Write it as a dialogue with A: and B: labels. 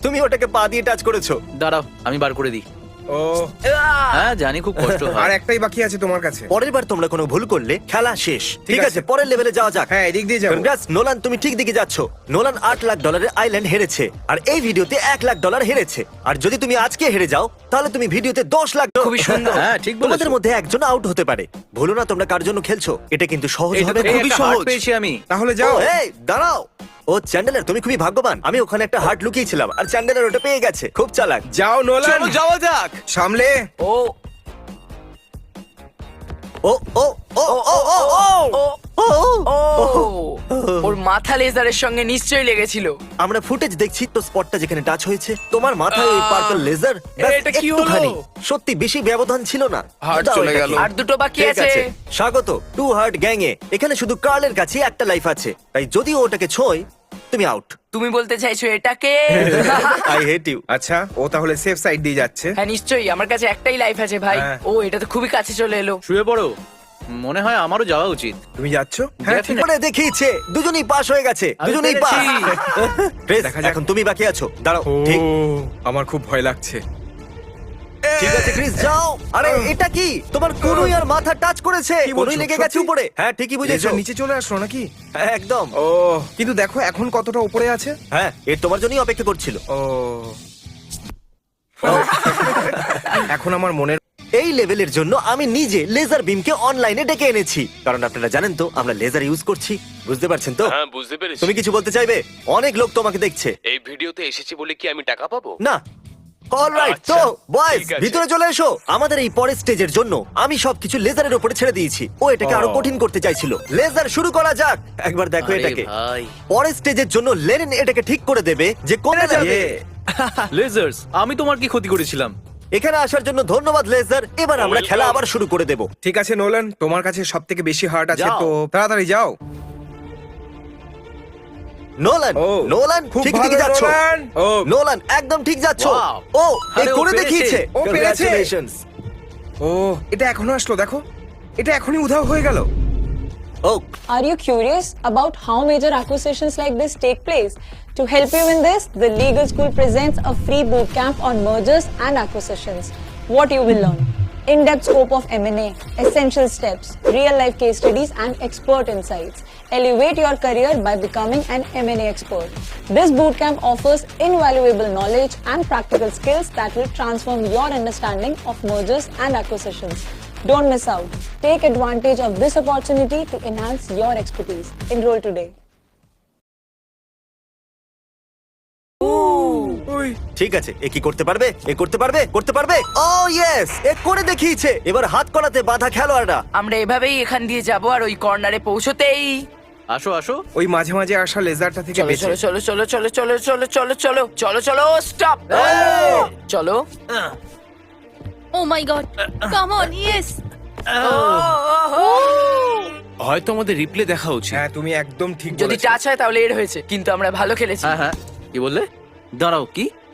A: তুমি ওটাকে পা দিয়ে টাচ করেছো।
B: দাঁড়াও আমি বার করে দিই।
C: ও
B: হ্যাঁ জানি খুব কষ্ট
C: আর
B: হয়।
C: একটাই বাকি আছে তোমার কাছে।
A: পরের বার তোমরা কোনো ভুল করলে খেলা শেষ। ঠিক আছে,
C: আছে।
A: পরের লেভেলে যাওয়া যাক।
C: হ্যাঁ এদিক দিয়ে যাবো।
A: কনগ্রাটস নোলান, তুমি ঠিক দিকে যাচ্ছ। নোলান $8 লাখ আইল্যান্ড হেরেছে আর এই ভিডিওতে $1 লাখ হেরেছে। আর যদি তুমি আজকে হেরে যাও তাহলে তুমি ভিডিওতে $10 লাখ।
D: খুবই সুন্দর।
B: হ্যাঁ ঠিক বলেছো।
A: তোমাদের মধ্যে একজন আউট হতে পারে। ভুলো না তোমরা কার জন্য খেলছো। এটা কিন্তু সহজ
B: এটা
A: হবে,
B: তো
A: খুবই
B: একটা হার্ট
A: সহজ।
B: পেয়েছি আমি।
C: তাহলে যাও।
A: ও, এই দাঁড়াও। ও চ্যান্ডেলার, তুমি খুবই ভাগ্যবান। আমি ওখানে একটা হার্ট লুকিয়েছিলাম আর চ্যান্ডেলার ওটা পেয়ে গেছে। খুব চালাক।
C: যাও নোলান,
B: চলো যাওয়া যাক।
C: সামলে।
D: ও
A: ও ও ও ও ও ও
D: ও
A: ও
D: ও ওর মাথা লেজারের সঙ্গে নিশ্চয়ই লেগেছিল।
A: আমরা ফুটেজ দেখছি তো স্পটটা যেখানে টাচ হয়েছে তোমার মাথায় ওই পার্পল লেজার।
D: এটা কি হলো?
A: সত্যি বেশি ব্যবধান ছিল না।
C: হার্ট
A: দাও
C: চলে
A: এটাকে।
C: গেল।
D: আর দুটো বাকি
A: ঠিক
D: আছে।
A: আছে, স্বাগত টু হার্ট গ্যাং এ। এখানে শুধু কার্লের কাছে একটা লাইফ আছে, তাই যদি ও ওটাকে ছোঁয় তুমি আউট।
D: তুমি বলতে চাইছো এটাকে?
A: I hate you.
C: আচ্ছা ও তাহলে সেফ সাইড দিয়ে যাচ্ছে।
D: হ্যাঁ নিশ্চয়ই, আমার কাছে একটাই লাইফ আছে ভাই।
C: হ্যাঁ।
D: ও এটা তো খুবই কাছে চলে এলো।
B: শুয়ে পড়ো। মনে হয় আমারও যাওয়া উচিত।
C: তুমি যাচ্ছ? হ্যাঁ ঠিক
A: করে দেখিয়েছে, দুজনেই পাস হয়ে গেছে।
B: আমি
A: দুজনেই পাস।
B: পেরেছি।
C: দেখা যাক।
A: এখন তুমি বাকি আছো। দাঁড়াও।
C: ও
A: ঠিক
C: আমার খুব ভয় লাগছে।
A: ঠিক আছে ক্রিস, যাও। আরে এটা কি? তোমার কোনুই আর মাথা টাচ করেছে।
C: কি বলছো?
A: কোনুই লেগে গেছে
C: সত্যি?
A: উপরে। হ্যাঁ ঠিকই বুঝেছো।
C: লেজার নিচে চলে আসলো নাকি?
A: হ্যাঁ, একদম।
C: ও কিন্তু দেখো এখন কতটা উপরে আছে।
A: হ্যাঁ, এর তোমার জন্যই অপেক্ষা করছিল।
C: ও এখন আমার মনের
A: এই লেভেলের জন্য আমি নিজে লেজার বিমকে অনলাইনে ডেকে এনেছি, কারণ আপনারা জানেন তো আমরা লেজার ইউজ করছি। বুঝতে পারছেন তো?
E: হ্যাঁ বুঝতে পেরেছি।
A: তুমি কিছু বলতে চাইবে? অনেক লোক তোমাকে দেখছে।
E: এই ভিডিওতে এসেছি বলে কি আমি টাকা পাবো?
A: না, অলরাইট।
E: আচ্ছা,
A: তো বয়েজ
E: ঠিক আছে।
A: ভিতরে চলে এসো। আমাদের এই পরের স্টেজের জন্য আমি সবকিছু লেজারের উপরে ছেড়ে দিয়েছি। ও এটাকে আরো কঠিন করতে চাইছিল। লেজার শুরু করা যাক। একবার দেখো
B: আরে
A: এটাকে।
B: ভাই
A: পরের স্টেজের জন্য লেনিন এটাকে ঠিক করে দেবে যে কোনে যাবে।
B: লেজার্স, আমি তোমার কি ক্ষতি করেছিলাম?
A: এখানে আসার জন্য ধন্যবাদ লেজার। এবার আমরা খেলা আবার শুরু করে দেব।
C: ঠিক আছে নোলান, তোমার কাছে সব থেকে বেশি হার্ট আছে,
B: যাও।
C: তো তাড়াতাড়ি যাও।
A: নোলান,
C: ও,
A: নোলান
C: খুব
A: ঠিক
C: ভালো
A: দিকে যাচ্ছ।
C: নোলান। ও
A: নোলান একদম ঠিক যাচ্ছ।
B: Wow!
A: ও এই
B: আরে, ও
A: করে
B: পেরেছে।
A: দেখিয়েছে।
C: ও পেরেছে।
A: Congratulations!
C: ও এটা এখনো আসলো, দেখো এটা এখনই উধাও হয়ে গেল।
A: ও
F: Are you curious about how major acquisitions like this take place? To help you in this, the Legal School presents a free bootcamp on mergers and acquisitions. What you will learn: in-depth scope of M&A, essential steps, real-life case studies and expert insights. Elevate your career by becoming an M&A expert. This bootcamp offers invaluable knowledge and practical skills that will transform your understanding of mergers and acquisitions. Don't miss out. Take advantage of this opportunity to enhance your expertise. Enroll today.
C: ওই
A: ঠিক আছে, এ কি করতে পারবে? এ করতে পারবে? করতে পারবে? ও ইয়েস, এ করে দেখিয়েছে। এবার হাত করাতে বাধা খেলোয়াড়রা।
D: আমরা এভাবেই এখান দিয়ে যাব আর ওই কর্নারে পৌঁছতেই
B: আসো আসো।
C: ওই মাঝে মাঝে আসা লেজারটা থেকে
D: চলো
C: বেঁচে।
D: চলো চলো চলো চলো চলো চলো চলো চলো চলো স্টপ চলো।
G: Oh my god. Come on, yes.
E: হয়তো আমাদের রিপ্লে দেখা উচিত।
C: হ্যাঁ তুমি একদম ঠিক
D: যদি
C: বলেছো।
D: টাচ হয় তাহলে এর হয়েছে, কিন্তু আমরা ভালো খেলেছি।
B: হ্যাঁ হ্যাঁ, কি বললে? দাঁড়াও, কি?